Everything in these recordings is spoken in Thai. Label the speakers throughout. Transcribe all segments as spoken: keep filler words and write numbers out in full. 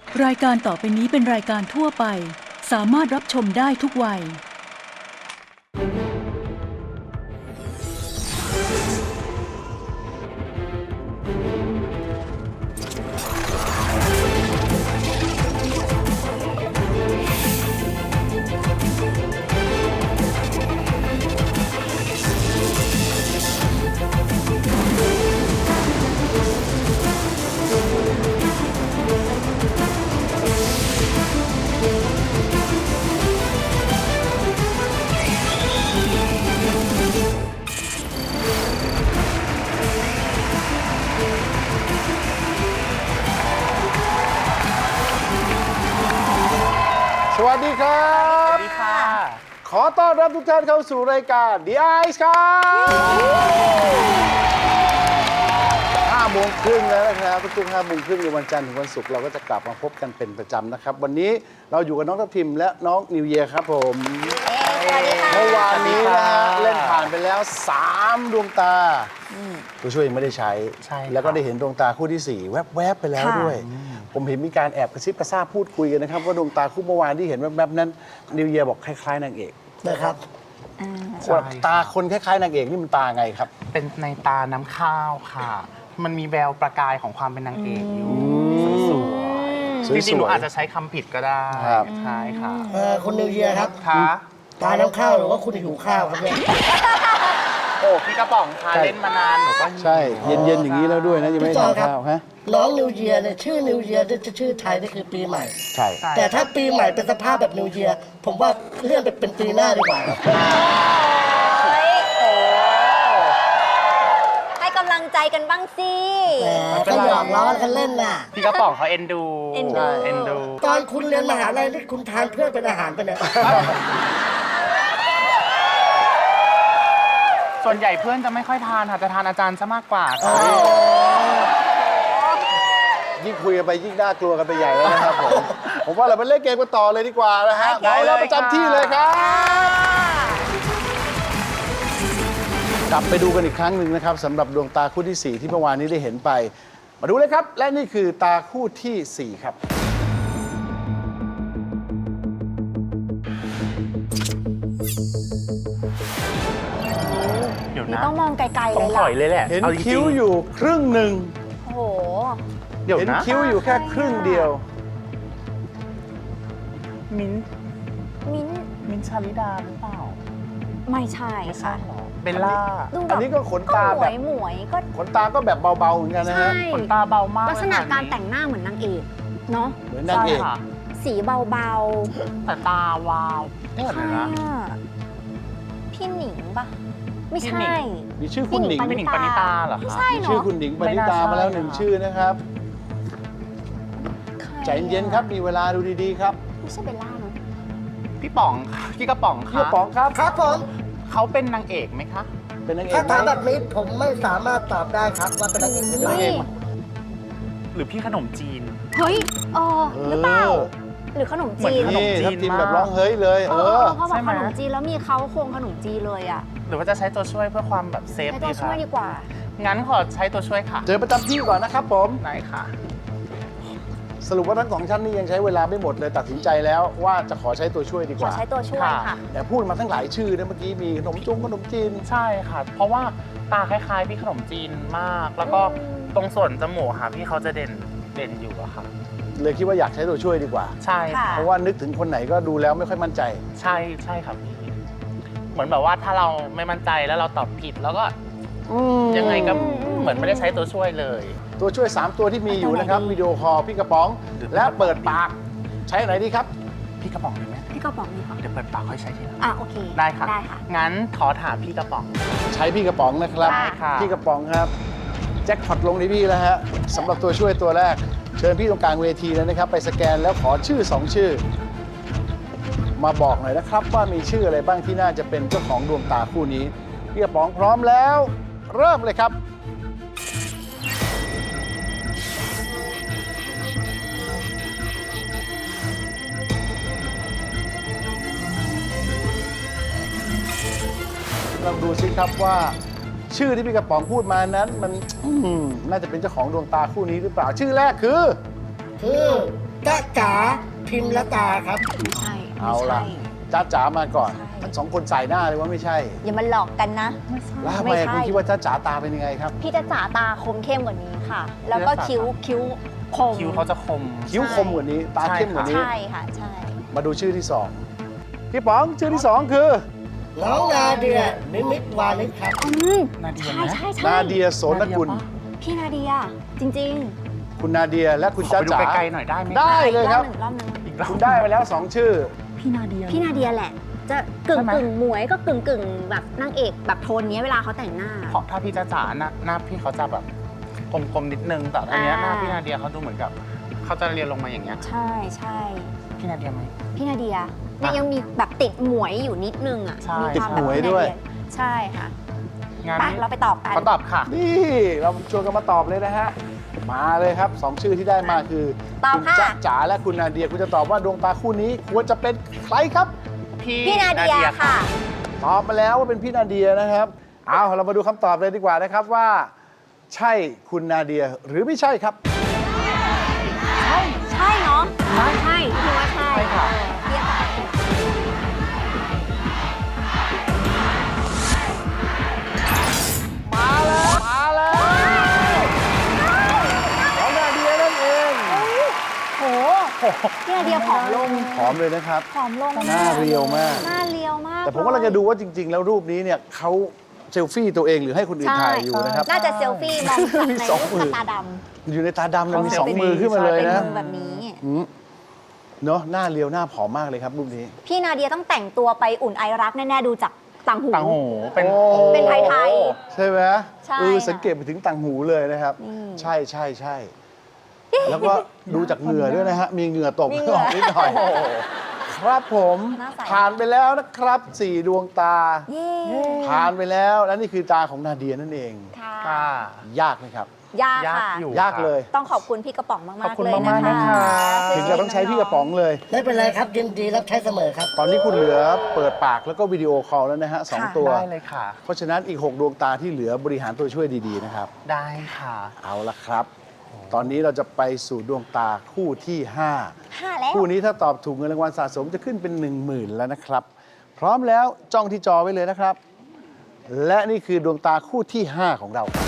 Speaker 1: รายการต่อไปนี้เป็นรายการทั่วไปสามารถรับชมได้ทุกวัย
Speaker 2: สวัสดีครับสวัสดีค่ะ ขอต้อนรับทุกท่านเข้าสู่รายการ The Ice ครับห้าโมงครึ่งแล้วนะครับทุกๆห้าโมงครึ่งในวันจันทร์ถึงวันศุกร์เราก็จะกลับมาพบกันเป็นประจำนะครับวันนี้เราอยู่กับน้องทัพทิมและน้องนิวเยียร์ครับผมเมื่อวานนี้นะฮะเล่นผ่านไปแล้วสามดวงตาตัวช่วยยังไม่ได้ใช้แล้วก็ได้เห็นดวงตาคู่ที่สี่แวบๆไปแล้วด้วยผมเห็นมีการแอบกระซิบกระซาบพูดคุยกันนะครับว่าดวงตาคู่เมื่อวานที่เห็นแวบๆนั้นนิวเยียร์บอกคล้ายๆนางเอกนะครับตาคนคล้ายๆนางเอกนี่มันตาไงครับ
Speaker 3: เป็นในตาน้ำข้าวค่ะมันมีแววประกายของความเป็นนางเอกอยู่สวยๆจริงๆหนูอาจจะใช้คำผิดก็ได้ใช่ค่ะ
Speaker 4: คุณนิวเยียร์ครับ
Speaker 3: ค่ะ
Speaker 4: ตาน้ำข้าวหรือว่าคุณหิวข้าวครับเนี่ย
Speaker 3: โอ้พี่กระป๋องค่ะเล่นมานานหนูก็
Speaker 2: ใช่เย็นๆอย่างนี้แล้วด้วยนะยังไม่ทานข้าวฮะ
Speaker 4: น้องนิวเยียร์เนี่ยชื่อนิวเยียร์จะชื่อไทยนี่คือปีใหม่
Speaker 2: ใช่
Speaker 4: แต่ถ้าปีใหม่เป็นสภาพแบบนิวเยียร์ผมว่าเลื่อนไปเป็นปีหน้าดีกว่าครับ
Speaker 5: ให้กำลังใจกันบ้างสิ
Speaker 4: ก็หยอกล้อกันเล่นน่ะ
Speaker 3: พี่กระป๋องเขาเอ็นดู
Speaker 5: เอ็นดู
Speaker 3: เอ็นดู
Speaker 4: ตอนคุณเรียนมหาลัยนี่คุณทานเพื่อนเป็นอาหารไปเนี่ย
Speaker 3: ส่วนใหญ่เพื่อนจะไม่ค่อยทานค่ะจะทานอาจารย์ซะมากกว่า
Speaker 2: ยิ่งคุยกันไปยิ่งน่ากลัวกันไปใหญ่แล้วนะครับผมผมว่าเราไปเล่นเกมกันต่อเลยดีกว่านะฮะเอาแล้วประจำที่เลยครับกลับไปดูกันอีกครั้งหนึ่งนะครับสำหรับดวงตาคู่ที่สี่ที่เมื่อวานนี้ได้เห็นไปมาดูเลยครับและนี่คือตาคู่ที่สี่ครับ
Speaker 5: นี่ต้องมองไกลๆเลย
Speaker 3: ล่ะต้องถอยเลยแหละ
Speaker 2: เห็นคิ้วอยู่ครึ่งหนึ่ง
Speaker 5: โอ้โห
Speaker 2: เห็นคิ้วอยู่แค่ครึ่งเดียว
Speaker 3: มิ้น
Speaker 5: มิ้น
Speaker 3: มิ้นชาลิดาหรือเปล่า
Speaker 5: ไม่ใช่ค่ะ
Speaker 3: เบลล่า
Speaker 2: อันนี้ก็ขนตาแบบ
Speaker 5: หมวยก็
Speaker 2: ขนตาก็แบบเบาๆเหมือนกันนะฮะ
Speaker 3: ขนตาเบามาก
Speaker 5: ลักษณะการแต่งหน้าเหมือนนางเอกเนาะ
Speaker 2: เหมือนนางเอก
Speaker 5: สีเบา
Speaker 3: ๆแต่ตาวาว
Speaker 5: ไม่ใช่พี่หนิงปะไม่ใช่
Speaker 2: มีชื่อคุณหนิง
Speaker 3: พี่หนิงปณิตาเหรอ
Speaker 5: ไม่ใช่เนาะ
Speaker 2: ชื่อคุณหนิงปณิตามาแล้วหนึ่งชื่อนะครับใจเย็นครับมีเวลาดูดีๆครับ
Speaker 5: ไม่ใช่เบลล่าเนาะ
Speaker 3: พี่ป๋องพี่กระป๋องค่ะ
Speaker 2: พี่กระป๋องครับ
Speaker 4: ครับผม
Speaker 3: เขาเป็นนางเอกไหมคะ
Speaker 2: เป็นนางเอก
Speaker 4: ถ้าถามแบบนี้ผมไม่สามารถตอบได้ครับว่าเป็นนางเอกหรือไม่
Speaker 3: หรือพี่ขนมจีน
Speaker 5: เฮ้ยเออหรือเปล่าหรือขนมจีน
Speaker 2: นี่ทับทิมแบบร้องเฮ้ยเลยเออ
Speaker 5: เขาบอกขนมจีนแล้วมีเขาโครงขนมจีนเลยอ่ะ
Speaker 3: หรือว่าจะใช้ตัวช่วยเพื่อความแบบเซฟ
Speaker 5: ดีค่ะใช้ตัวช่วยดีกว่า
Speaker 3: งั้นขอใช้ตัวช่วยค่ะ
Speaker 2: เจอประจำที่ก่อนนะครับผม
Speaker 3: ไหนค่ะ
Speaker 2: สรุปว่าทั้งสองท่านนี่ยังใช้เวลาไม่หมดเลยตัดสินใจแล้วว่าจะขอใช้ตัวช่วยดีกว่า
Speaker 5: ขอใช้ตัวช่วยค่ะ
Speaker 2: แต่พูดมาทั้งหลายชื่อนะเมื่อกี้มีขนมจงขนมจีน
Speaker 3: ใช่ค่ะเพราะว่าตาคล้ายๆพี่ขนมจีนมากแล้วก็ตรงส่วนจมูกค่ะพี่เขาจะเด่นเด่นอยู่อะค่ะ
Speaker 2: เลยคิดว่าอยากใช้ตัวช่วยดีกว่า
Speaker 3: ใช่ค่ะ
Speaker 2: เพราะว่านึกถึงคนไหนก็ดูแล้วไม่ค่อยมั่นใจ
Speaker 3: ใช่ใช่ครับพี่เหมือนแบบว่าถ้าเราไม่มั่นใจแล้วเราตอบผิดแล้วก็ยังไงก็เหมือนไม่ได้ใช้ตัวช่วยเลย
Speaker 2: ตัวช่วยสามตัวที่มีอยู่นะครับวิดีโอคอลพี่กระป๋องและเปิดปากใช้ไหนดีครับ
Speaker 3: พี่กระป๋องดีไหม
Speaker 5: พี่กระป๋องดีค่ะ
Speaker 3: เดี๋ยวเปิดปากค่อยใช้ทีหลัง
Speaker 5: อ่ะโอเค
Speaker 3: ได้ค่ะ
Speaker 5: ได้ค่ะ
Speaker 3: งั้นขอถามพี่กระป๋อง
Speaker 2: ใช้พี่กระป๋องนะครับพี่กระป๋องครับแจ็คพอตลงที่พี่แล้วฮะสำหรับตัวช่วยตัวแรกเชิญพี่ตรงกลางเวทีเลยนะครับไปสแกนแล้วขอชื่อสองชื่อมาบอกหน่อยนะครับว่ามีชื่ออะไรบ้างที่น่าจะเป็นเจ้าของดวงตาคู่นี้พี่กระป๋องพร้อมแล้วเริ่มเลยครับลองดูซิครับว่าชื่อที่พี่กระป๋องพูดมานั้นมันน่าจะเป็นเจ้าของดวงตาคู่นี้หรือเปล่าชื่อแรกคือ
Speaker 4: คือจ๊ะจ๋าพิมพ์ละตาครับ
Speaker 5: ไม่ใช่
Speaker 2: เอา
Speaker 5: ไม่
Speaker 2: ละ
Speaker 5: ใช่
Speaker 2: จ้าจ๋ามาก่อน
Speaker 5: ใช่
Speaker 2: ทั้งสองคนใส่หน้าเลยว่าไม่ใช่
Speaker 5: อย่ามาหลอกกันนะ
Speaker 2: แล้วทำไม
Speaker 5: ไม่ใช่
Speaker 2: คุณคิดว่าจ้าจ๋าตาเป็นยังไงครับ
Speaker 5: พี่จะจ๋าตาคมเข้มกว่านี้ค่ะ แล้วก็คิ้วคิ้วคม
Speaker 3: คิ้วเขาจะคม
Speaker 2: คิ้วคมกว่านี้ ตาเข้มกว่านี้
Speaker 5: ใช่ค่ะใช่
Speaker 2: มาดูชื่อที่สองพี่ป๋องชื่อที่สองคือ
Speaker 4: น้องนาเดียนิมิตวานิชครับ
Speaker 5: อืม
Speaker 3: นาเดีย
Speaker 5: ใช่
Speaker 3: นะ
Speaker 5: ใช่ใช่
Speaker 2: นาเดียโสนกุล
Speaker 5: พี่นาเดียจริง
Speaker 2: คุณนาเดียและคุณ
Speaker 3: ขอ
Speaker 2: จ้า
Speaker 3: ไปดู
Speaker 2: จ๋า
Speaker 3: ไกลๆหน่อยได้ไหม
Speaker 2: ได้
Speaker 5: ๆ
Speaker 2: เลยครับ
Speaker 5: อีกรอบหนึ่งรอบหนึ่ง
Speaker 3: อีกรอบ
Speaker 2: คุณได้ไปแล้วสองชื่อ
Speaker 3: พี่นาเดีย
Speaker 5: พี่นาเดียแหละ จะกึ่ง
Speaker 3: ใช่ไหม
Speaker 5: กึ่งหมวยก็กึ่งกึ่งแบบนางเอกแบบโทนเนี้ยเวลาเขาแต่งหน้า
Speaker 3: เพราะถ้าพี่จ้าจ๋าหน้าหน้าพี่เขาจะแบบกลมๆนิดนึง แต่อันเนี้ย
Speaker 5: อ่า
Speaker 3: หน้าพี่นาเดียเขาดูเหมือนกับเขาจะเรียนลงมาอย่างเงี้ย
Speaker 5: ใช่ใช่
Speaker 3: พี่นาเดียไหม
Speaker 5: พี่นาเดียเนี่ยยังมีแบบติดหมวยอยู่นิดนึงอ่ะ
Speaker 3: ใช่
Speaker 5: มีความแบบ
Speaker 2: ติดหมวย
Speaker 5: พี่นา
Speaker 2: ด้วย
Speaker 5: ใช่ค่ะ
Speaker 3: งาน
Speaker 5: ไป
Speaker 3: นี้
Speaker 5: เราไปตอบกัน
Speaker 3: ขอตอบค่ะ
Speaker 2: นี่เราชวนกันมาตอบเลยนะฮะ มาเลยครับสองชื่อที่ได้มาคือ
Speaker 5: ตอบ
Speaker 2: คุณ
Speaker 5: ค่ะ
Speaker 2: จ๊ะจ๋าและคุณนาเดียคุณจะตอบว่าดวงตาคู่นี้ควรจะเป็นใครครับ
Speaker 5: พี่นาเดียค่ะ
Speaker 2: ตอบมาแล้วว่าเป็นพี่นาเดียนะครับ เอาเรามาดูคำตอบเลยดีกว่านะครับว่า ใช่คุณนาเดียหรือไม่ใช่ครับ
Speaker 5: ใช่ใช่เนาะใช่ใช่พี่ว่าใช่
Speaker 3: ใช่ค่ะ
Speaker 5: เรียกค่ะ
Speaker 2: มาแล้ว มาแล้วของนาเดียนั่นเอง
Speaker 5: โหพี่นาเดียผอมลง
Speaker 2: หอมเลยนะครับ
Speaker 5: ผอมลง
Speaker 2: หน้าเรียวมาก
Speaker 5: หน้าเรียวมาก
Speaker 2: แต่ผมกำลังจะดูว่าจริง ๆ แล้วรูปนี้เนี่ยเขาเซลฟี่ตัวเองหรือให้คนอื่นถ่ายอยู่นะครับ
Speaker 5: น่าจะเซลฟี่มองจากใน
Speaker 2: สองมื
Speaker 5: รู
Speaker 2: อ
Speaker 5: ปตาด
Speaker 2: อยู่ในตาดำนะมี
Speaker 3: เขา
Speaker 2: สอง
Speaker 3: เซลฟี่
Speaker 2: มือขึ้นมาเลย
Speaker 5: ำเป็น
Speaker 2: นะ
Speaker 5: มือแบบนี้
Speaker 2: อืมเนาะหน้าเรียวหน้าผอมมากเลยครับรูปนี้
Speaker 5: พี่นาเดียต้องแต่งตัวไปอุ่นไอรักแน่ๆดูจากต่างหู
Speaker 3: ต่างหูเป็น
Speaker 2: โอ้
Speaker 5: เป็นไทย
Speaker 2: ใช่ไหม
Speaker 5: ใช่
Speaker 2: เออ
Speaker 5: ค่ะ
Speaker 2: สังเกตไปถึงต่างหูเลยนะครับ
Speaker 5: นี่
Speaker 2: ใช่ใช่ใช่แล้วก็ดูจากเหงื่อด้วยนะฮะ มีเหงื่อตก
Speaker 5: มีเหงื่อ
Speaker 2: นิดหน่อยครับผม
Speaker 5: หน้าใส
Speaker 2: ผ่านไปแล้วนะครับสี่ดวงตา
Speaker 5: เย้
Speaker 2: ผ่านไปแล้วและนี่คือตาของนาเดียนั่นเอง
Speaker 5: ค่ะ
Speaker 3: ค่ะ
Speaker 2: ยากไหมครับ
Speaker 5: ยาก
Speaker 3: ยาก
Speaker 5: ค่ะ
Speaker 3: อยู่
Speaker 2: ยากเลย
Speaker 5: ต้องขอบคุณพี่กระป๋องมากๆ
Speaker 3: ขอบคุณ
Speaker 5: เลยนะ
Speaker 3: มากๆ
Speaker 5: คะ
Speaker 3: นะคะ
Speaker 2: ถึงจะต้องใช้พี่กระป๋องเลย
Speaker 4: ไม่เป็นไรครับยินดีรับใช้เสมอครับ
Speaker 2: ตอนนี้คุณเหลือเปิดปากแล้วก็วิดีโอคอลแล้วนะฮะสอง
Speaker 5: ค่ะ
Speaker 2: ตัว
Speaker 3: ได้เลยค่ะ
Speaker 2: เพราะฉะนั้นอีก 6 ดวงตาที่เหลือบริหารตัวช่วยดีๆนะครับ
Speaker 3: ได้ค่ะ
Speaker 2: เอาละครับ ตอนนี้เราจะไปสู่ดวงตาคู่ที่
Speaker 5: ห้าแล้ว
Speaker 2: 5 คู่นี้ถ้าตอบถูกเงินรางวัลสะสมจะขึ้นเป็น หนึ่งหมื่น แล้วนะครับ พร้อมแล้วจ้องที่จอไว้เลยนะครับ และนี่คือดวงตาคู่ที่ 5 ของเราครับ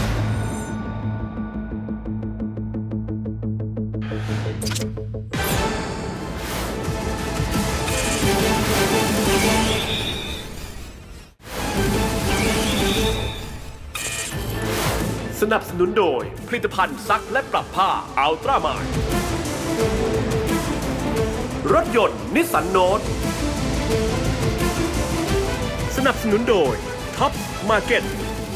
Speaker 6: สนับสนุนโดยผลิตภัณฑ์ซักและปรับผ้าอัลตร้ามายรถยนต์นิสสันโนตสนับสนุนโดยท็อปมาร์เก็ต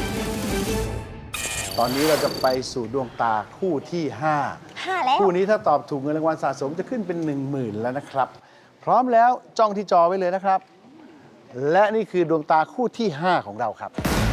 Speaker 2: ตอนนี้เราจะไปสู่ดวงตาคู่ที่
Speaker 5: ห้าแล้
Speaker 2: 5
Speaker 5: ว
Speaker 2: คู่นี้ถ้าตอบถูกเงินรางวัลสะสมจะขึ้นเป็น หนึ่งหมื่น แล้วนะครับ พร้อมแล้วจ้องที่จอไว้เลยนะครับ และนี่คือดวงตาคู่ที่ 5 ของเราครับ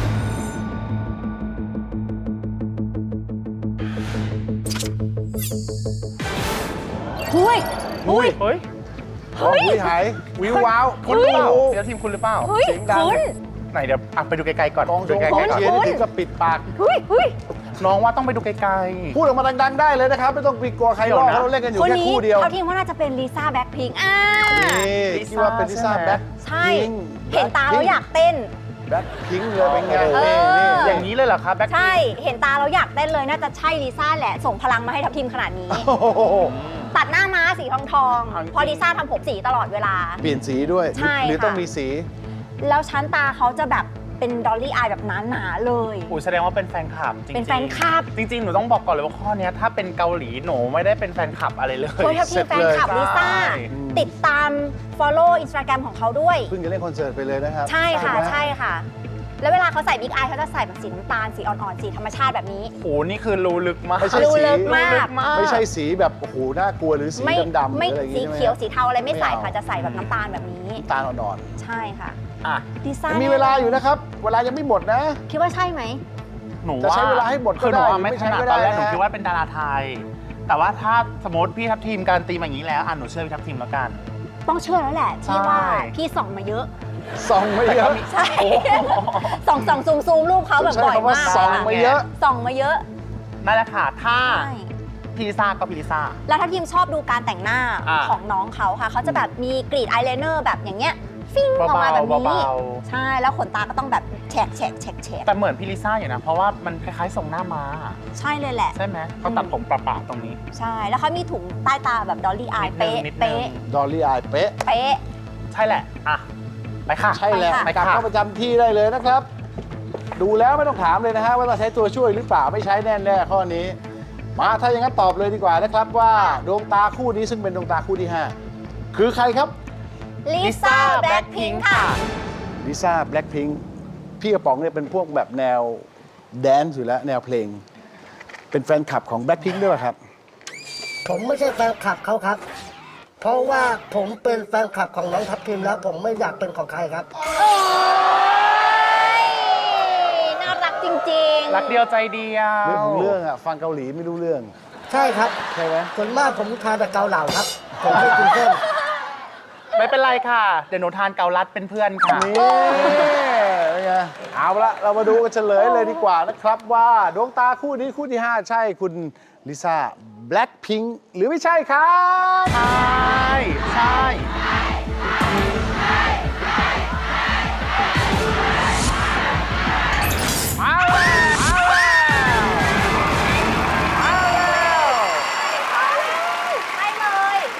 Speaker 5: หุ้ย
Speaker 2: อุ้ย
Speaker 3: เฮ้ย
Speaker 2: โอ้ยหายวิวว้าว
Speaker 3: คุณหรือเปล่า
Speaker 2: โอ้โห
Speaker 3: เดี๋ยวทีมคุณหรือเปล่า
Speaker 5: เฮ้ย
Speaker 2: เสียงดัง
Speaker 5: คุณ
Speaker 3: ไหนเดี๋ยวอ่ะไปดูไกลๆก่อน
Speaker 2: กองช
Speaker 3: ดู
Speaker 2: ง
Speaker 3: ไกล
Speaker 2: กอง
Speaker 3: ๆก่อน
Speaker 2: เชียร์นี่ถึงกับปิดปาก
Speaker 5: เฮ้ยเฮ้ย
Speaker 3: น้องว่าต้องไปดูไกล
Speaker 2: พูดออกมาดังๆได้เลยนะครับ ไม่ต้องไปกลัวใครหรอก
Speaker 3: เดี๋ยวนะ
Speaker 2: เราเล่นกันอยู่
Speaker 5: คน
Speaker 2: แค่
Speaker 5: นี้
Speaker 2: คู่เดียว
Speaker 5: เขาทีมว่าน่าจะเป็นลิซ่าแบ็คพิงค์อ่า
Speaker 2: นี่
Speaker 3: ลิซ่า
Speaker 2: คิดว่าเป็นลิซ่า
Speaker 3: ใช่ไหม
Speaker 2: แบ็ค
Speaker 5: ใช่
Speaker 2: พิงค์
Speaker 5: เห็นตาแล้วอยากเต้น
Speaker 2: แบ็คพิงค์เลยเป็นไง
Speaker 5: เออ
Speaker 2: นี่นี่
Speaker 3: ๆ อย่างนี้เลยเหรอครับแบ็ค
Speaker 5: ใช่ เห็นตาแล้วอยากเต้นเลย น่าจะใช่ลิซ่าแหละ ส่งพลังมาให้ทัพทีมขนาดนี้
Speaker 2: โอ้โห
Speaker 5: ตัดหน้าม้าสีทองทองๆเพอลิซ่าทำผมสีตลอดเวลา
Speaker 2: เปลี่ยนสีด้วย
Speaker 5: ใช่
Speaker 2: หรือ
Speaker 5: ค่ะ
Speaker 2: ต้องมีสี
Speaker 5: แล้วชั้นตาเขาจะแบบเป็นดอลลี่อายแบบหนาๆเลย
Speaker 3: อุ้ยแสดงว่าเป็นแฟนคลับจริงๆ
Speaker 5: เป็นแฟนคลับ
Speaker 3: จริง ๆ หนูต้องบอกก่อนเลยว่าข้อเนี้ยถ้าเป็นเกาหลีหนูไม่ได้เป็นแฟนคลับอะไรเลย
Speaker 5: โอ้ยทัพทีมแฟนคลับ
Speaker 3: เสร็จเลย
Speaker 5: ลิซ่า
Speaker 3: ใช่
Speaker 5: ติดตาม follow Instagram ของเขาด้วย
Speaker 2: เพิ่งจะเล่นคอนเสิร์ตไปเลยนะครับ
Speaker 5: ใช่ค่ะ
Speaker 2: ไหม
Speaker 5: ใช่ค่ะ แล้วเวลาเขาใส่บิ๊กอายเขาจะใส่แบบสีน้ำตาล สีอ่อนๆ สีธรรมชาติแบบนี้
Speaker 3: โอ้โหนี่คือรู้ลึกมาก
Speaker 2: ไม่ใช่
Speaker 5: รู้
Speaker 2: สี
Speaker 5: ลึกมาก
Speaker 2: ไม่ใช่สีแบบโอ้โหน่ากลัวหรือสี
Speaker 5: ไม่
Speaker 2: ดำๆหรือ
Speaker 5: ไม่
Speaker 2: อะไรอย่าง
Speaker 5: สี
Speaker 2: งี้ใช่ไหม
Speaker 5: เขียวสีเทาอะไรไม่ใส่
Speaker 2: ไม่เอา
Speaker 5: ค่ะ จะใส่แบบน้ำตาลแบบนี้
Speaker 2: น้ำตาลอ่อน
Speaker 5: ใช่ค่ะ
Speaker 3: อ่ะ
Speaker 5: ลิซ่า
Speaker 2: ๆมีเวลาอยู่นะครับ เวลายังไม่หมดนะ
Speaker 5: คิดว่าใช่ไหม
Speaker 3: หนู
Speaker 2: จะ
Speaker 3: ว่า
Speaker 2: ใช้เวลาให้หมดก็
Speaker 3: คือหนู
Speaker 2: ได้
Speaker 3: ว่าไม่
Speaker 2: ไม่
Speaker 3: ถ
Speaker 2: ใช้
Speaker 3: นัด
Speaker 2: ก็ได้
Speaker 3: ตอนแรกหนู
Speaker 2: นะ
Speaker 3: คิดว่าเป็นดาราไทย แต่ว่าถ้าสมมติพี่ทัพทีมการนตีมาอย่างนี้แล้วอ่ะหนูเชื่อพี่ทัพทีมแล้วกัน
Speaker 5: ต้องเชื่อแล้วแหละ ที่ว่า
Speaker 3: ใช่
Speaker 5: พี่ส่องมาเยอะ
Speaker 2: ส่องไม่เยอะ
Speaker 5: ใช่ ส่องส่องซูมซูมรูปเขาแบบ
Speaker 2: ใช้
Speaker 5: บ่อย
Speaker 2: คำว่า
Speaker 5: มาก
Speaker 2: ส่องมาเยอะ
Speaker 5: ส่องมาเยอะ
Speaker 3: นั่นแหละค่ะถ้า
Speaker 5: ใช่
Speaker 3: พี่ลิซ่าก็พี่ลิซ่า
Speaker 5: แล้วถ้าทีมชอบดูการแต่งหน้า
Speaker 3: อ่า
Speaker 5: ของน้องเขาค่ะ เขาจะแบบมีกรีดอายไลเนอร์แบบอย่างเงี้ยฟิ้งออกมาแบบนี้
Speaker 3: เบา
Speaker 5: ใช่ แล้วขนตาก็ต้องแบบแฉกแฉกแฉกแฉก
Speaker 3: แต่เหมือนพี่ลิซ่าอยู่นะ เพราะว่ามันคล้ายๆทรงหน้าม้า
Speaker 5: ใช่เลยแหละ
Speaker 3: ใช่ไหมเขาตัดผมประๆตรงนี้
Speaker 5: ใช่ แล้วเขามีถุงใต้ตาแบบดอลลี่อาย
Speaker 3: นิดนึง
Speaker 5: เป๊ะ
Speaker 3: นิดนึง
Speaker 5: เป๊ะ
Speaker 2: ดอลลี่อายเป๊ะ
Speaker 5: เป๊ะ
Speaker 3: ใช่แหละ อ่ะ ไปค่ะ
Speaker 2: ใช่แล้ว
Speaker 5: ไป
Speaker 2: กลั
Speaker 5: ค่ะ
Speaker 2: บเข้าประจำที่ได้เลยนะครับ ดูแล้วไม่ต้องถามเลยนะฮะว่าต้องใช้ตัวช่วยหรือเปล่าไม่ใช้แน่ๆข้อนี้ มาถ้าอย่างนั้นตอบเลยดีกว่านะครับว่าดวงตาคู่นี้ซึ่งเป็นดวงตาคู่ที่ห้าคือใครครับ
Speaker 5: ลิซ่าแบล็คพิงค์ค่ะ
Speaker 2: ลิซ่าแบล็คพิงค์พี่กระป๋องเนี่ยเป็นพวกแบบแนวแดนซ์อยู่แล้วแนวเพลง เป็นแฟนคลับของแบล็คพิงค์ด้วยป่ะครับ
Speaker 4: ผมไม่ใช่แฟนคลับเขาครับ เพราะว่าผมเป็นแฟนคลับของน้องทัพทิมแล้ว ผมไม่อยากเป็นของใครครับ
Speaker 5: โอ้ยน่ารักจริงๆ
Speaker 3: รักเดียวใจเดียว
Speaker 2: เรื่องของเรื่องอะฟังเกาหลีไม่รู้เรื่อง
Speaker 4: ใช่ครับ
Speaker 2: ใช่ไหม
Speaker 4: ส่วนมากผมทานแต่เกาเหลาครับ ผมไม่กินเส้น
Speaker 3: ไม่เป็นไรค่ะ เดี๋ยวหนูทานเกาลัดเป็นเพื่อนค่ะ
Speaker 2: นี่เป็นไงเอาละเรามาดูกันเฉลยเลยดีกว่านะครับว่าดวงตาคู่นี้คู่ที่ห้าใช่คุณลิซ่าแบล็คพิงค์หรือไม่ใช่ครับ
Speaker 3: ใช่ ใช่
Speaker 2: เอาแล้วเอาแล้วเอาแล้ว
Speaker 5: ใช่เลย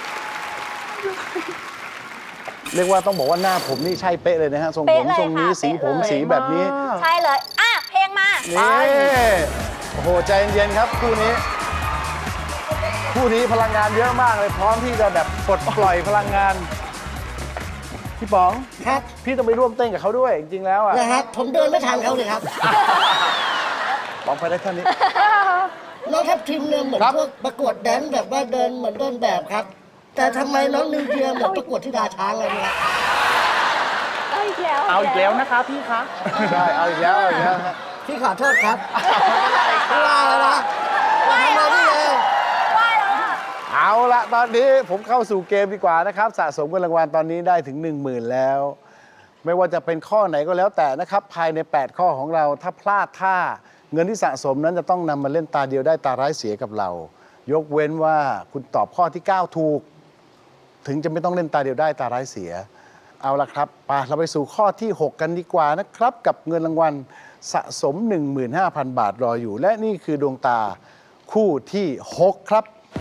Speaker 2: เรียกว่าต้องบอกว่าหน้าผมนี่ใช่เป๊ะเลยนะฮะทรงผ
Speaker 5: เป๊ะ
Speaker 2: ม
Speaker 5: เลย
Speaker 2: ทรงนี้
Speaker 5: ค่ะ
Speaker 2: สีผม
Speaker 5: เป๊ะเลย
Speaker 2: สีแบบนี้
Speaker 5: ใช่เลย อ่ะ เพลงมา
Speaker 2: นี่โอ้โหใจเย็นๆครับคู่นี้ คู่นี้พลังงานเยอะมากเลยพร้อมที่จะแบบปลดปล่อยพลังงาน พี่ป๋อง
Speaker 4: ครับ
Speaker 2: พี่ต้องไปร่วมเต้นกับเขาด้วย จริงๆแล้วอ่ะ
Speaker 4: นะครับ ผมเดินไม่ทันเขาเลยครับ
Speaker 2: ป๋องไปได้เท่านี้
Speaker 4: น้องทัพทิมเนี่ยเหมือน
Speaker 2: ครับ
Speaker 4: พวกประกวดแดนซ์แบบว่าเดินเหมือนเดินแบบครับ แต่ทำไมน้องนิวเยียเหมือนประกวดที่ดาช้างเลยเนี่ย
Speaker 5: เอาอีกแล้ว
Speaker 3: เอาอีกแล้วนะคะพี่คะ
Speaker 2: ใช่เอาอีกแล้วเอาอีกแล้วฮะ
Speaker 4: พี่ขอโทษครับไม่ว่าแล้วนะทำมาที่เลย
Speaker 5: ว่าแล้วอ่ะ
Speaker 2: เอาละตอนนี้ผมเข้าสู่เกมดีกว่านะครับ สะสมเงินรางวัลตอนนี้ได้ถึง หนึ่งหมื่น แล้ว ไม่ว่าจะเป็นข้อไหนก็แล้วแต่นะครับ ภายใน แปด ข้อของเราถ้าพลาดท่าเงินที่สะสมนั้นจะต้องนำมาเล่นตาเดียวได้ตาร้ายเสียกับเรา ยกเว้นว่าคุณตอบข้อที่ เก้า ถูก ถึงจะไม่ต้องเล่นตาเดียวได้ตาร้ายเสีย เอาละครับไปเราไปสู่ข้อที่ หก กันดีกว่านะครับ กับเงินรางวัลสะสม หนึ่งหมื่นห้าพัน บาทรออยู่ และนี่คือดวงตาคู่ที่ หก ครับ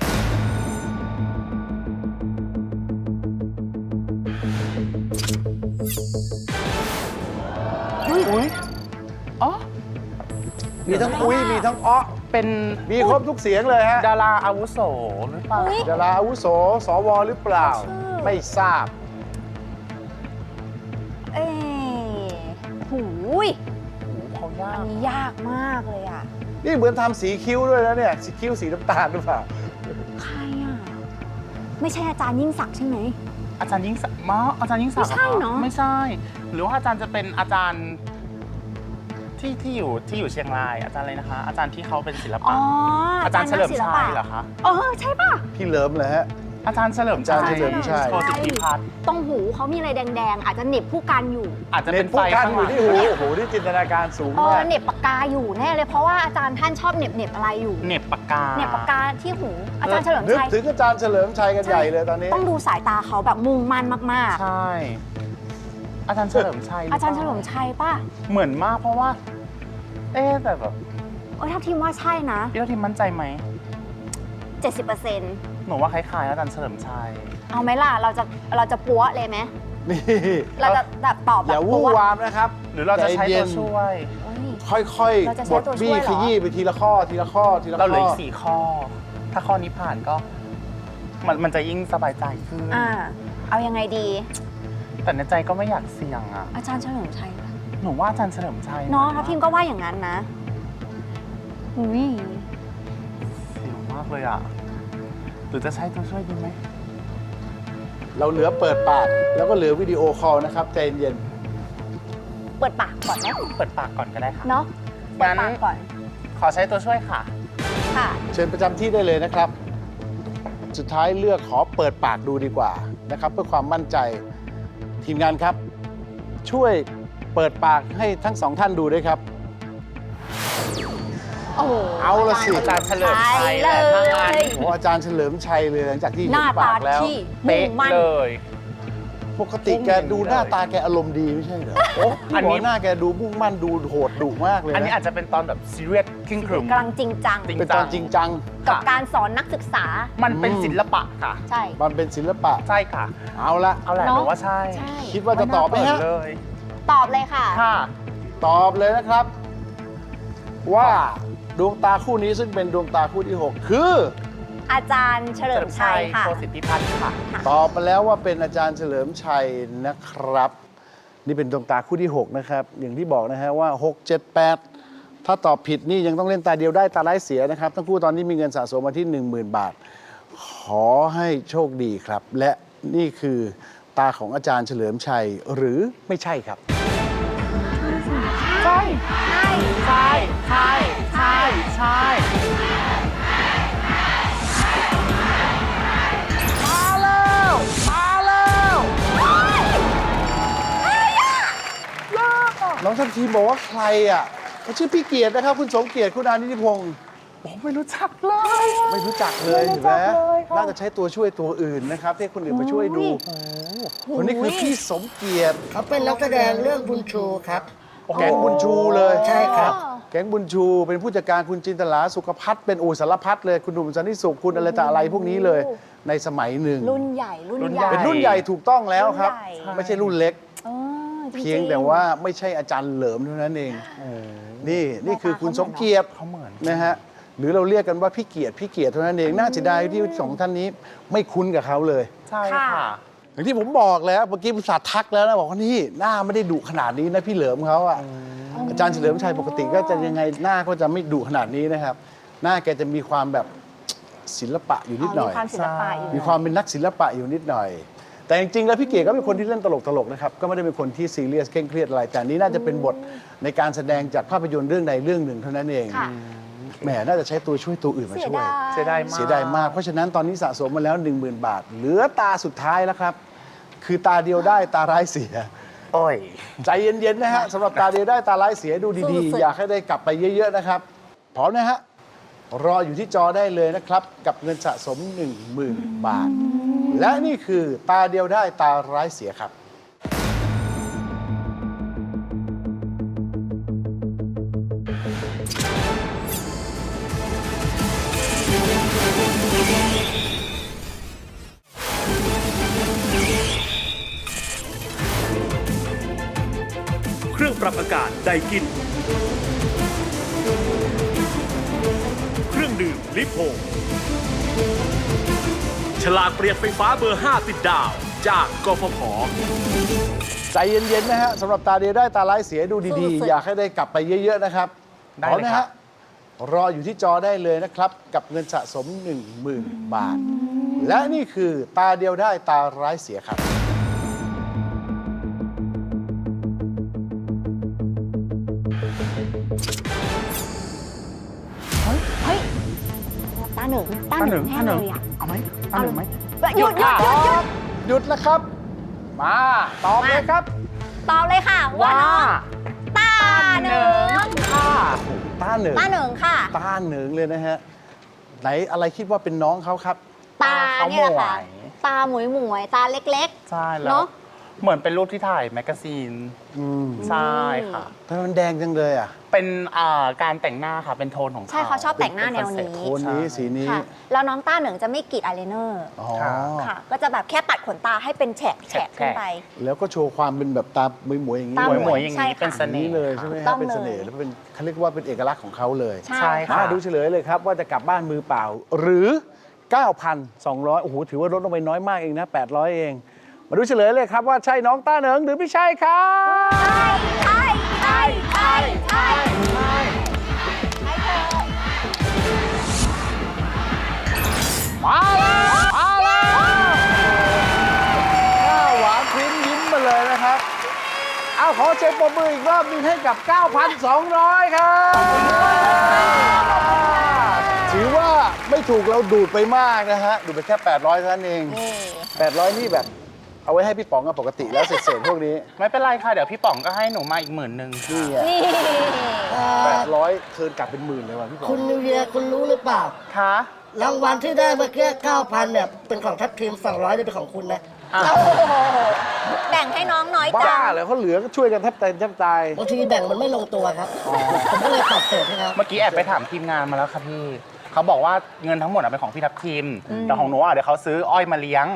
Speaker 3: อุ้ยอ๋อ
Speaker 2: มีทั้งอุ้ยมีทั้งอ้อ
Speaker 3: เป็น
Speaker 2: มีครบทุกเสียงเลยฮะ
Speaker 3: ดาราอาวุโสหรือเปล่า
Speaker 5: อุ๊ย
Speaker 2: ดาราอาวุโส สวหรือเปล่า
Speaker 5: ชื่อ
Speaker 2: ไม่ทราบ
Speaker 5: เอ้ยหูย
Speaker 3: เขายา
Speaker 5: อั
Speaker 3: ก
Speaker 5: นนี้ยากมากเลยอ่ะ
Speaker 2: นี่เหมือนทำสีคิ้วด้วยนะเนี่ยสีคิ้วสีน้ำตาลหรือเปล่า
Speaker 5: ใครอ่ะ ไม่ใช่อาจารย์ยิ่งศักดิ์ใช่ไหม
Speaker 3: อาจารย์ยิ่งศักดิ์มาอาจารย์ยิ่งศักดิ์
Speaker 5: ไม่ใช่เนอะ
Speaker 3: ไม่ใช่ หรือว่าอาจารย์จะเป็นอาจารย์ที่ที่อยู่ที่อยู่เชียงราย อาจารย์อะไรนะคะ อาจารย์ที่เขาเป็นศิล
Speaker 5: อ๋
Speaker 3: ปะ
Speaker 5: อ
Speaker 3: อาจารย์เฉลิมชัยเหรอคะ
Speaker 5: เออใช่ป่ะ
Speaker 2: พี่เหลิมเลยฮะ
Speaker 3: อาจารย์เฉลิมชัย
Speaker 2: อาจารย์เฉลิมชัย
Speaker 3: โชติพิพัฒน์
Speaker 5: ตรงหูเขามีอะไรแดงๆ อาจจะเหน็บผู้การอยู่
Speaker 3: อาจจะ
Speaker 2: เน้
Speaker 3: เป็น น
Speaker 2: ผู้
Speaker 3: ไฟ
Speaker 2: กัน
Speaker 3: ข้าง
Speaker 2: อ
Speaker 3: หลั
Speaker 2: ยู่
Speaker 3: ง
Speaker 2: ที่หูโอ้โหนี่จินตนาการสูง
Speaker 5: เออ
Speaker 2: มาก
Speaker 5: เหน็บปากกาอยู่แน่เลยเพราะว่าอาจารย์ท่านชอบเหน็บเหน็บอะไรอยู่
Speaker 3: เหน็บปากกา
Speaker 5: เหน็บปากกาที่หู อาจารย์เฉลิม
Speaker 2: นึก
Speaker 5: ชัย
Speaker 2: ถึงอาจารย์เฉลิมชัยกันใหญ่เลยตอนนี้
Speaker 5: ต้องดูสายตาเขาแบบมุ่งมั่นมาก
Speaker 3: ใช่ อาจารย์เฉลิมชัยห
Speaker 5: ๆ
Speaker 3: ป
Speaker 5: อา
Speaker 3: ล่
Speaker 5: จารย์เฉลิมชัยป่ะ
Speaker 3: เหมือนมากเพราะว่า เอ๊ะแต่แบบ
Speaker 5: เออถ้าทีมว่าใช่นะ
Speaker 3: พี่ทัพทิมมั่นใจไหม
Speaker 5: เจ็ดสิบเปอร์เซ็นต์
Speaker 3: หนูว่าคล้ายๆอาจารย์เฉลิมชัย
Speaker 5: เอาไหมล่ะ เราจะเราจะปัวเลยไหม
Speaker 2: นี่
Speaker 5: เราจะแบบตอบแบ
Speaker 2: อย่า
Speaker 5: บ
Speaker 2: วู่
Speaker 5: ปัว
Speaker 2: วามนะครับ
Speaker 3: หรือเราจะใช้
Speaker 2: ใจเย็
Speaker 3: ตัวน ช่วย
Speaker 5: เอ้ย
Speaker 2: ค่อย
Speaker 5: เราจะ
Speaker 2: ๆ
Speaker 5: ใช้
Speaker 2: บด
Speaker 5: ตัวช่
Speaker 2: บี้
Speaker 5: วยเหรอ
Speaker 2: ขยี้ไปทีละข้อทีละข้อทีละข้
Speaker 3: เรา
Speaker 2: อ
Speaker 3: เหลืออีกสี่ข้อ ถ้าข้อนี้ผ่านก็ มันมันจะยิ่งสบายใจขึ้น
Speaker 5: อ่า เอายังไงดี
Speaker 3: แต่ในใจก็ไม่อยากเสี่ยงอ่ะ
Speaker 5: อาจารย์เฉลิมชัยป่ะ
Speaker 3: หนูว่าอาจารย์เฉลิมชัย
Speaker 5: เนาะทัพทีมก็ว่าอย่างนั้นนะอุ้ย
Speaker 3: เสี่ยงมากเลยอ่ะ หรือจะใช้ตัวช่วยดีไหม
Speaker 2: เราเหลือเปิดปากแล้วก็เหลือวิดีโอคอลนะครับใจเย็น
Speaker 5: เปิดปากก่อนไหม
Speaker 3: เปิดปากก่อนก็ได้ค่ะ
Speaker 5: เนาะเปิดปากก่อน
Speaker 3: ขอใช้ตัวช่วยค่ะ
Speaker 5: ค่ะ
Speaker 2: เชิญประจำที่ได้เลยนะครับ สุดท้ายเลือกขอเปิดปากดูดีกว่านะครับ เพื่อความมั่นใจทีมงานครับ ช่วยเปิดปากให้ทั้งสองท่านดูด้วยครับ
Speaker 5: โอ้โห
Speaker 2: เอาละสิ
Speaker 3: อาจารย์เฉลิมชัย
Speaker 5: เล
Speaker 3: แหละถ้างั้น
Speaker 5: ย
Speaker 2: โอ้อาจารย์เฉลิมชัยเลยหลังจากที่
Speaker 5: ห
Speaker 2: เห็
Speaker 5: น้าน
Speaker 2: ปา
Speaker 5: ตาก
Speaker 2: แล้ว
Speaker 5: ที่
Speaker 3: เป๊ะ
Speaker 5: มุ่งมั่น
Speaker 3: เลย
Speaker 2: ปกติแกดูหน้าตาแกอารมณ์ดีไม่ใช่เหรอโอ้
Speaker 3: อั
Speaker 2: อั
Speaker 3: น
Speaker 2: น
Speaker 3: นี้
Speaker 2: นี้หน้าแกดูมุ่งมั่นดูโหดดุมากเลย
Speaker 3: อันนี้
Speaker 2: นะ
Speaker 3: อาจจะเป็นตอนแบบซีเรียสครึ่งครึม
Speaker 5: กำลังจริงจัง
Speaker 3: จริง
Speaker 2: เป็นตอนจริงจัง
Speaker 5: กับการสอนนักศึกษา
Speaker 3: มันเป็นศิลปะค่ะ
Speaker 5: ใช่
Speaker 2: มันเป็นศิลปะ
Speaker 3: ใช่ค่ะ
Speaker 2: เอาละ
Speaker 3: เอาแหละ
Speaker 5: เนอะ
Speaker 3: หรือว่าใช่
Speaker 5: ใช่
Speaker 2: คิดว่าจะตอบไหมฮะ
Speaker 3: เลย
Speaker 5: ตอบเลยค่ะ
Speaker 3: ค่ะ
Speaker 2: ตอบเลยนะครับ ว่าดวงตาคู่นี้ซึ่งเป็นดวงตาคู่ที่ 6 คือ
Speaker 5: อาจารย์เฉลิมชัยค่ะ
Speaker 3: โคสิทธิพัฒน์ค่ะ
Speaker 2: ตอบมาแล้วว่าเป็นอาจารย์เฉลิมชัยนะครับ นี่เป็นดวงตาคู่ที่ 6 นะครับ อย่างที่บอกนะฮะว่า หก เจ็ด แปด ถ้าตอบผิดนี่ยังต้องเล่นตาเดียวได้ตาไร้ายเสียนะครับ ทั้งคู่ตอนนี้มีเงินสะสมมาที่ หนึ่งหมื่น บาท ขอให้โชคดีครับ และนี่คือตาของอาจารย์เฉลิมชัยหรือไม่ใช่ครับ
Speaker 3: ใช่ ใช่ ใช่ ใช่ ใช่ ใช่ มาแล้ว มาแล้ว
Speaker 2: น้องทัพทีมบอกว่าใครอ่ะเขาชื่อพี่เกียรตินะครับ คุณสมเกียรติคุณอานิติพงศ์
Speaker 3: ผมไม่รู้จักเลย
Speaker 2: ไม่รู้จักเลย
Speaker 3: ไม่รู้
Speaker 2: เห็นไหม
Speaker 3: จักเลยครับ
Speaker 2: น่าจะใช้ตัวช่วยตัวอื่นนะครับที่ให้คนอื่นมาช่วยดูคนนี้คือพี่สมเกียรติ
Speaker 4: เขาเป็นนักแสดงเรื่องบุญชูครับ
Speaker 2: แก๊งบุญชูเลย
Speaker 4: ใช่ครับ
Speaker 2: แก๊งบุญชูเป็นผู้จัดการคุณจินตลาสุขพัฒน์เป็นอู่สารพัดเลยคุณหนุ่มสันติสุขคุณอะไรแต่อะไรพวกนี้เลย ในสมัยหนึ่ง
Speaker 5: รุ่นใหญ่ รุ่น
Speaker 3: รุ่น
Speaker 5: ให
Speaker 3: ใหญ่
Speaker 5: ญ่
Speaker 2: เป็นรุ่นใหญ่ถูกต้องแล้วครับ
Speaker 5: รุ่นใหญ่
Speaker 2: ไม่ใช่รุ่นเล็ก
Speaker 5: เออจริงๆ
Speaker 2: เพียงแต่ว่าไม่ใช่อาจารย์เหลิมเท่านั้นเองนี่นี่คือคุณสมเกียรติ
Speaker 3: เขาเหมือน
Speaker 2: นะฮะหรือเราเรียกกันว่าพี่เกียรติพี่เกียรติเท่านั้นเองน่าเสียดายที่สองท่านนี้ไม่คุ้นกับเขาเลย
Speaker 3: ใช่
Speaker 5: ค่ะ
Speaker 3: ค่ะ
Speaker 2: อย่างที่ผมบอกแล้วเมื่อกี้ผมสาทักแล้วนะบอกว่านี่หน้าไม่ได้ดุขนาดนี้นะพี่เหลิมเขาอ่ะอาจารย์เฉลิมชัยปกติก็จะยังไงหน้าก็จะไม่ดุขนาดนี้นะครับ หน้าแกจะมีความแบบศิลปะอยู่นิดหน่อย
Speaker 5: มีความศิลปะอยู่
Speaker 2: มีความเป็นนักศิลปะอยู่นิดหน่อย แต่จริงๆแล้วพี่เกียรติก็เป็นคนที่เล่นตลกๆนะครับก็ไม่ได้เป็นคนที่ซีเรียสเคร่งเครียดอะไรแต่อันนี้น่าจะเป็นบทในการแสดงจากภาพยนตร์เรื่องใดเรื่องหนึ่งเท่านั้นเอง
Speaker 5: ค่ะ
Speaker 2: แหมน่าจะใช้ตัวช่วยตัวอื่นมา
Speaker 5: เสีย
Speaker 2: ช่วย
Speaker 5: ดาย
Speaker 3: เสียดายมาก
Speaker 2: เสียดายมาก เพราะฉะนั้นตอนนี้สะสมมาแล้ว หนึ่งหมื่น บาท เหลือตาสุดท้ายแล้วครับ คือตาเดียวได้ตาร้ายเสีย
Speaker 3: โอ้ย
Speaker 2: ใจเย็น ๆ นะฮะสำหรับตาเดียวได้ตาร้ายเสียดูดี
Speaker 5: สู้
Speaker 2: ๆ
Speaker 5: ๆ
Speaker 2: อยากให้ได้กลับไปเยอะ ๆ นะครับ พร้อมนะฮะ รออยู่ที่จอได้เลยนะครับ กับเงินสะสม หนึ่งหมื่น บาท และนี่คือตาเดียวได้ตาร้ายเสียครับ
Speaker 6: เครื่องปรับอากาศไดกิน เครื่องดื่มลิโพฉลากเปลี่ยนไฟฟ้าเบอร์ ห้า ติดดาว จากกฟผ.
Speaker 2: ใจเย็น ๆ นะฮะสำหรับตาเดียวได้ตาร้ายเสียดูดี
Speaker 5: สู้
Speaker 2: ๆ
Speaker 5: ๆ
Speaker 2: อยากให้ได้กลับไปเยอะ ๆ นะครับ
Speaker 3: ได้
Speaker 2: พร้อม
Speaker 3: เลย
Speaker 2: นะ
Speaker 3: ครั
Speaker 2: ฮะ
Speaker 3: บ
Speaker 2: รออยู่ที่จอได้เลยนะครับ กับเงินสะสม หนึ่งหมื่น บาท และนี่คือตาเดียวได้ตาร้ายเสียครับ
Speaker 5: เฮ้ยตาหนึ่งตาหนึ่งแน่เลยอ่ะ
Speaker 3: เอาไหมเอาหนึ่งไหม
Speaker 5: หยุดหยุดหยุดหยุด
Speaker 2: หยุดแล้วครับ มาตอบเลยครับ
Speaker 5: ตอบเลยค่ะ ว่า
Speaker 3: ว่า
Speaker 5: น้องตาหนึ่ง
Speaker 3: ค่ะ
Speaker 2: ตาเหนิง
Speaker 5: ตาหนึ่งค่ะ
Speaker 2: ตาเหนิงเลยนะฮะ ไหนอะไรคิดว่าเป็นน้องเขาครับ
Speaker 5: ตาเนี่ยแหละค่ะ
Speaker 3: เขาหมวย
Speaker 5: ตาหมวยหมวยๆตาเล็ก
Speaker 3: ใช่
Speaker 5: ๆ
Speaker 3: แล้ว
Speaker 5: เนาะ
Speaker 3: เหมือนเป็นรูปที่ถ่ายแมกกาซีน
Speaker 2: อืม
Speaker 3: ใช่ค่ะ
Speaker 2: ทำไมมันแดงจังเลยอ่ะ
Speaker 3: เป็นอ่าการแต่งหน้าค่ะ เป็นโทนของเขา
Speaker 5: ใช่เขาชอบแต่งหน้าแนวนี้
Speaker 2: โทนนี้สีนี้
Speaker 5: ค่ะ แล้วน้องตาหนึ่งจะไม่กรีดอายไลเนอร์
Speaker 2: อ๋อ
Speaker 5: ค่ะ ก็จะแบบแค่ปัดขนตาให้เป็นแฉกแฉกขึ้นไป
Speaker 2: แล้วก็โชว์ความเป็นแบบตาหมวยๆอย่างนี้
Speaker 5: ตา
Speaker 3: หมวย
Speaker 2: เล
Speaker 3: หมวย
Speaker 2: ย
Speaker 3: ๆอย่าง
Speaker 5: ใช่
Speaker 3: นี้
Speaker 5: ค่ะ
Speaker 3: เป็นเสน่
Speaker 2: นี้
Speaker 3: ห์
Speaker 2: เลยใช่ไหม
Speaker 5: ต้
Speaker 2: ฮะ
Speaker 5: อง
Speaker 2: เป็นเสน่ห์
Speaker 5: เลย
Speaker 2: แล้วเป็นเขาเรียกว่าเป็นเอกลักษณ์ของเขาเลย
Speaker 5: ใช่
Speaker 3: ใช่
Speaker 5: ค่ะ
Speaker 3: ค่ะ
Speaker 2: มาดูเฉลยเลยครับว่าจะกลับบ้านมือเปล่า หรือ เก้าพันสองร้อย โอ้โห ถือว่าลดลงไปน้อยมากเองนะ แปดร้อย เอง มาดูเฉลยเลยครับว่าใช่น้องต้าเหนิงหรือไม่ใช่ครับ
Speaker 5: ใช่ใช่ใช่ใช่ใช่
Speaker 2: มาแล้วมาแล้วหน้าหวานพริ้มยิ้มมาเลยนะครับ เอาขอเช็คปรบมืออีกรอบหนึงให้กับ เก้าพันสองร้อย ครับถือว่าไม่ถูกเราดูดไปมากนะฮะ ดูดไปแค่ แปดร้อยเท่านั้นเอง
Speaker 5: นี่
Speaker 2: แปดร้อย นี่แบบเอาไว้ให้พี่ป๋องกับปกติแล้วเศษๆพวกนี้
Speaker 3: ไม่เป็นไรค่ะ เดี๋ยวพี่ป๋องก็ให้หนูมาอีกหมื่นหนึ่ง
Speaker 2: นี่ไง
Speaker 5: นี่
Speaker 2: แปดร้อยเทิร์นกลับเป็นหมื่นเลยว่ะพี่ป๋อง
Speaker 4: คุณนิวเยียร์คุณรู้หรือเปล่า
Speaker 3: ค่ะ
Speaker 4: รางวัลที่ได้เมื่อกี้เก้าพันเนี่ยเป็นของทัพทีมสองร้อยเนี่ยเป็นของคุณนะ
Speaker 5: โอ้โหแบ่งให้น้องน้อยจั
Speaker 2: บ้าง เลยเขาเหลือก็ช่วยกันแทบตายแทบตาย
Speaker 4: บางทีแบ่งมันไม่ลงตัวครับ ผมก็เลยตัดเศษให้เขา
Speaker 3: เมื่อกี้แอบไปถามทีมงานมาแล้วค่ะพี่ เขาบอกว่าเงินทั้งหมดอะเป็นของพี่ทัพทีม แต่ของหนูอะเดี๋ยวเขาซื้ออ้อยมาเลี้ยง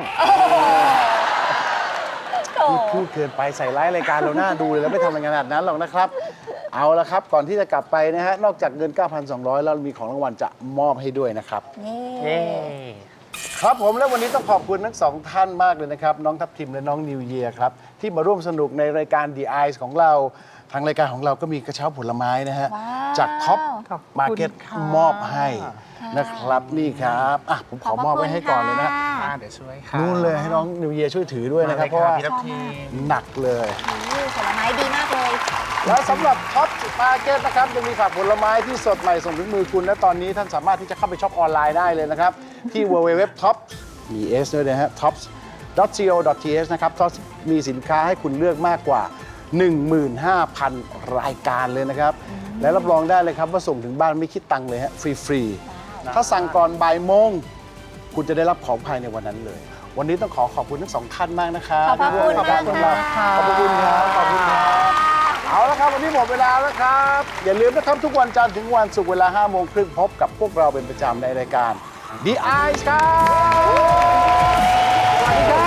Speaker 5: โอ้
Speaker 2: พูดพูดเกินไปใส่ร้ายรายการเราหน้าดูเลยแล้วไม่ทำอะไรขนาดนั้นหรอกนะครับ เอาละครับก่อนที่จะกลับไปนะฮะนอกจากเงิน เก้าพันสองร้อย แล้วมีของรางวัลจะมอบให้ด้วยนะครับ
Speaker 3: เย้
Speaker 2: ครับผมและวันนี้ต้องขอบคุณทั้งสองท่านมากเลยนะครับ น้องทัพทิมและน้องนิวเยียร์ครับ ที่มาร่วมสนุกในรายการ The Eyes ของเรา ทางรายการของเราก็มีกระเช้าผลไม้นะฮะ
Speaker 5: ว้าว
Speaker 2: จากท็อป
Speaker 3: ขอบคุณ
Speaker 2: มาร์เก็ต
Speaker 3: ค่ะ
Speaker 2: มอบให้นะครับนี่ครับอ่ะผมขอมอบไว้ให้ก่อนเลยนะ
Speaker 3: อ่าเดี๋ยวช่วยค่ะ
Speaker 2: นู่นเลยให้น้องนิวเยียร์ช่วยถือด้วยนะครับ เพราะว่า
Speaker 3: พี่ทัพทีม
Speaker 2: หนักเลย
Speaker 5: นี่ผลไม้ดีมากเลย
Speaker 2: และสำหรับท็อปมาร์เก็ตนะครับยังมีผักผลไม้ที่สดใหม่ส่งถึงมือคุณ และตอนนี้ท่านสามารถที่จะเข้าไปช็อปออนไลน์ได้เลยนะครับ ที่ ดับเบิลยู ดับเบิลยู ดับเบิลยู ดอท ท็อป มี S ด้วยนะฮะ ท็อป ดอท ซี โอ ดอท ที เอช นะครับ ท็อป มีสินค้าให้คุณเลือกมากกว่า หนึ่งหมื่นห้าพัน รายการเลยนะครับ และรับรองได้เลยครับว่าส่งถึงบ้านไม่คิดตังค์เลยฮะฟรีๆถ้าสั่งก่อนบ่ายโมงคุณจะได้รับของภายในวันนั้นเลย วันนี้ต้องขอขอบคุณทั้งสองท่านมากนะครับ
Speaker 5: ขอบพระคุณ
Speaker 2: ที่ร่วรายกร
Speaker 5: มากค่ะ
Speaker 2: ขอบพระคุณครับขอบคุณครับ เอาละครับวันนี้หมดเวลาแล้วครับ อย่าลืมนะครับทุกวันจันทร์ถึงวันศุกร์เวลาห้าโมงครึ่งพบกับพวกเราเป็นประจำในรายการ The Eyes ครับ สวัสดีครับ